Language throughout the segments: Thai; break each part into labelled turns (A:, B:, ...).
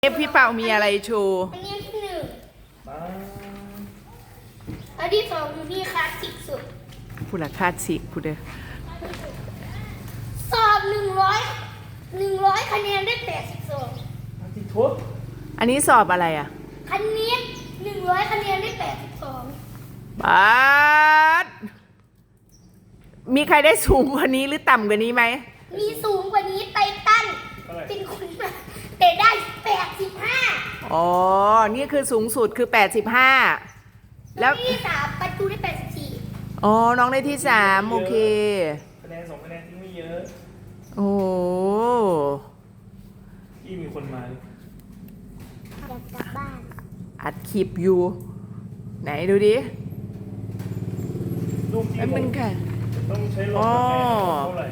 A: พี่เปามีอะไรโชว์
B: อันนี้ที่หนึ่งอันที่สองอยู่นี่คลาสสิกสุด
A: ผู้ละคาดสิกผู้เด้อ
B: สอบ100คะแนนได้82
C: ที่ทุบ
A: อันนี้สอบอะไรอ่ะ
B: คณิต100คะแนนได้82
A: บาสมีใครได้สูงกว่านี้หรือต่ำกว่านี้ไหม
B: มีสูงกว่านี้ไททันเป็นคนมาแต่ได้85
A: อ๋อ นี่คือสูงสุดคือ 85 แล้ว
B: ที่3ประตูได้84
A: อ๋อ น้องได้ที่ 3 โอเค
C: คะแนน2คะแนนที่ไม่เยอะ
A: โอ้โห
C: ที่มีคนมา
B: อยากกลับบ้าน
A: อัดคลิปอยู่ ไหนดูดิ
C: ลูกที่
A: แล้วมันค่ะ
C: ต้องใช้รถ
A: อ๋อ
C: เท่าไหร่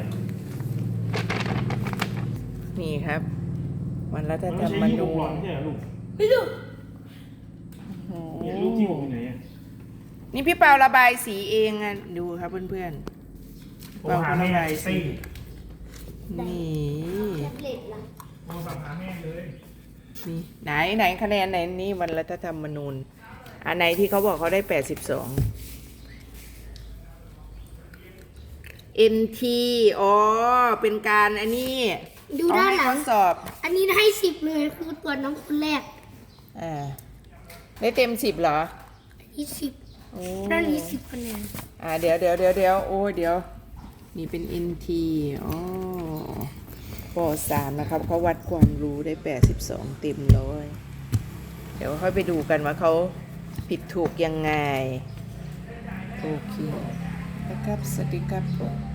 A: นี่ครับ วันรัฐ
C: มัน
A: ธร
C: ไม่
A: รม
C: ใช่ลู
A: นู
C: กหลอ
A: ญ
C: นใช่ไหมลูก
B: ไม่รู้
A: โอ้โห
C: เนี่ยลูกที่ผมอยู่ไหนอ่ะ
A: นี่พี่เปาระบายสีเองอ่ะ ดูครับเพื่อน
C: ผมหาแม่ไอซี่
A: ๆ นี่
B: แท็บเล็ตล่ะ
C: ผมสั่งหาแม่เลย
A: นี่ไหนคะแนนไหนนี่วันรัฐธรรมนูญอันไหนที่เขาบอกเขาได้ 82 NT อ๋อ เป็นการอันนี้
B: ดูด้านหลั
A: เข
B: ง
A: ให้ทดสอบ
B: อันนี้ให้10เลยคือตัวน้องคนแรก
A: อ่าได้เต็ม 10เหรอ
B: อันนี้
A: โอ้
B: 10ด้านนี้10คะแนน
A: เดี๋ยวโอ้ยเดี๋ยว นี่เป็น NT อ๋อป.3 นะครับเขาวัดความรู้ได้ 82 เต็มร้อยเดี๋ยวค่อยไปดูกันว่าเขาผิดถูกยังไง โอเคนะครับสวัสดีครับ